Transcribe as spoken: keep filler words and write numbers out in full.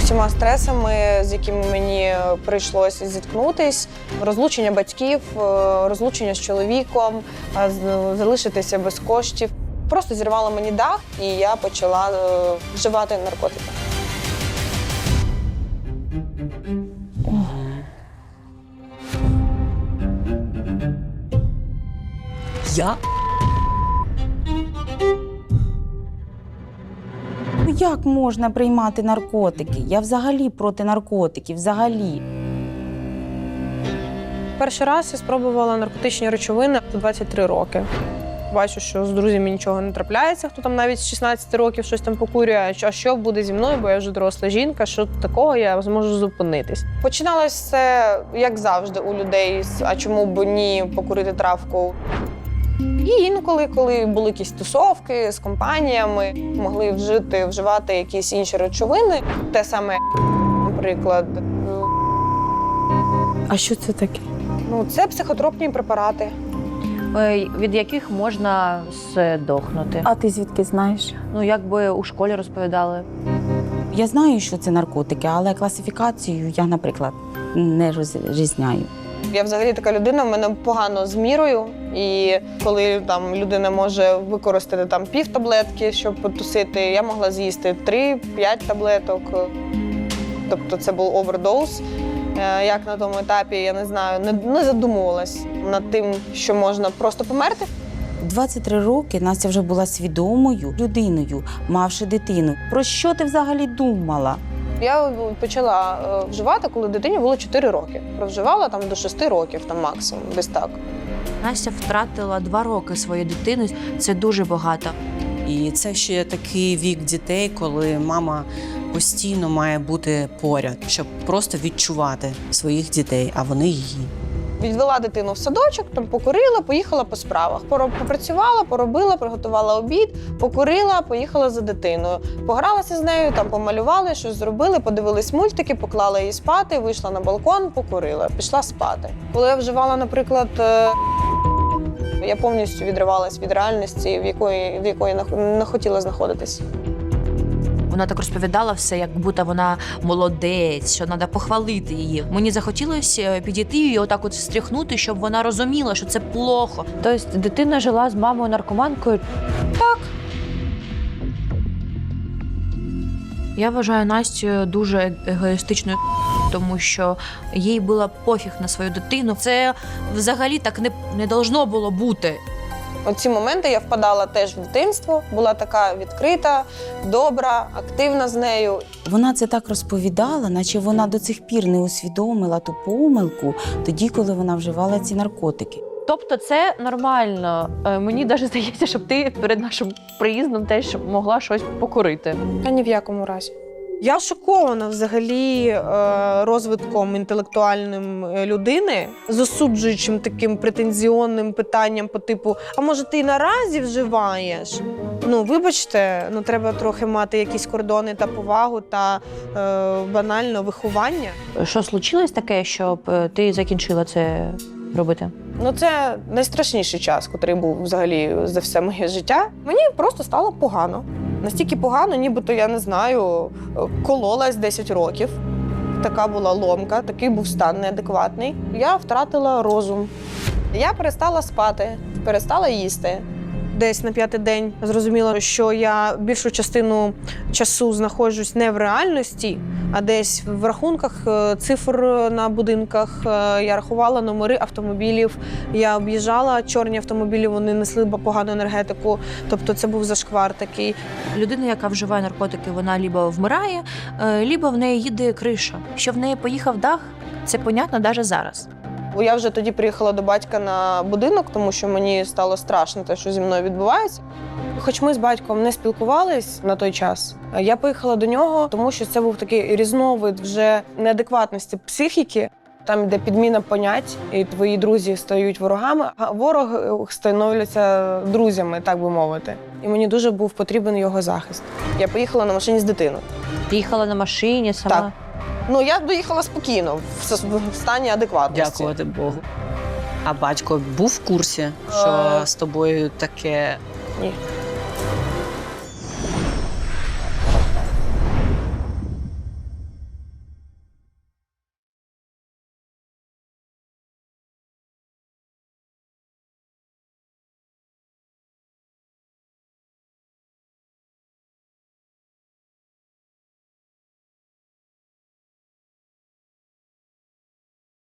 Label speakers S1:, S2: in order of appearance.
S1: Всіма стресами, з якими мені прийшлося зіткнутись, розлучення батьків, розлучення з чоловіком, залишитися без коштів. Просто зірвало мені дах, і я почала вживати наркотики.
S2: Я?
S3: Як можна приймати наркотики? Я взагалі проти наркотиків, взагалі.
S1: Перший раз я спробувала наркотичні речовини у двадцять три роки. Бачу, що з друзями нічого не трапляється, хто там навіть з шістнадцяти років щось там покурює, а що буде зі мною, бо я вже доросла жінка, що такого я зможу зупинитись. Починалось все, як завжди, у людей, а чому б ні покурити травку. І інколи, коли були якісь тусовки з компаніями, могли вжити, вживати якісь інші речовини. Те саме, наприклад.
S3: А що це таке?
S1: Ну, це психотропні препарати.
S4: Від яких можна здохнути.
S3: А ти звідки знаєш?
S4: Ну, якби у школі розповідали.
S3: Я знаю, що це наркотики, але класифікацію я, наприклад, не розрізняю.
S1: Я взагалі така людина, в мене погано з мірою. І коли там людина може використати там пів таблетки, щоб потусити, я могла з'їсти три-п'ять таблеток. Тобто це був овердоз. Як на тому етапі, я не знаю, не, не задумувалась над тим, що можна просто померти.
S3: двадцять три роки Настя вже була свідомою людиною, мавши дитину. Про що ти взагалі думала?
S1: Я почала вживати, коли дитині було чотири роки. Провживала там до шести років, там максимум, десь так.
S4: Настя втратила два роки своєї дитини. Це дуже багато.
S2: І це ще такий вік дітей, коли мама постійно має бути поряд, щоб просто відчувати своїх дітей, а вони її.
S1: Відвела дитину в садочок, там покурила, поїхала по справах. Попрацювала, поробила, приготувала обід, покурила, поїхала за дитиною. Погралася з нею, там помалювали, щось зробили, подивились мультики, поклала її спати, вийшла на балкон, покурила, пішла спати. Коли я вживала, наприклад, я повністю відривалась від реальності, в якої, в якої не хотіла знаходитись.
S4: Вона так розповідала все, як будто вона молодець, що треба похвалити її. Мені захотілося підійти і отак от встряхнути, щоб вона розуміла, що це плохо. Тобто дитина жила з мамою-наркоманкою?
S1: Так.
S4: Я вважаю Настю дуже егоїстичною, тому що їй було пофіг на свою дитину. Це взагалі так не, не должно було бути.
S1: Оці моменти я впадала теж в дитинство, була така відкрита, добра, активна з нею.
S3: Вона це так розповідала, наче вона до цих пір не усвідомила ту помилку тоді, коли вона вживала ці наркотики.
S4: Тобто це нормально. Мені навіть здається, щоб ти перед нашим приїздом теж могла щось покурити.
S1: Та ні в якому разі. Я шокована взагалі розвитком інтелектуальним людини, з осуджуючим таким претензіонним питанням по типу «А може ти і наразі вживаєш?» Ну, вибачте, ну треба трохи мати якісь кордони та повагу та е, банально виховання.
S4: Що случилось таке, щоб ти закінчила це робити?
S1: Ну, це найстрашніший час, який був взагалі за все моє життя. Мені просто стало погано. Настільки погано, нібито, я не знаю, кололась десять років. Така була ломка, такий був стан неадекватний. Я втратила розум. Я перестала спати, перестала їсти. Десь на п'ятий день зрозуміла, що я більшу частину часу знаходжусь не в реальності, а десь в рахунках цифр на будинках. Я рахувала номери автомобілів, я об'їжджала чорні автомобілі, вони несли погану енергетику, тобто це був зашквар такий.
S4: Людина, яка вживає наркотики, вона либо вмирає, либо в неї їде криша. Що в неї поїхав дах, це понятно навіть зараз.
S1: Бо я вже тоді приїхала до батька на будинок, тому що мені стало страшно те, що зі мною відбувається. Хоч ми з батьком не спілкувались на той час, я поїхала до нього, тому що це був такий різновид вже неадекватності психіки. Там йде підміна понять, і твої друзі стають ворогами, а вороги становляться друзями, так би мовити. І мені дуже був потрібен його захист. Я поїхала на машині з дитиною.
S4: Ти їхала на машині сама?
S1: Так. Ну, я доїхала спокійно, в стані адекватності.
S2: Дякувати Богу. А батько був в курсі, що
S1: Е...
S2: з тобою таке?
S1: Ні.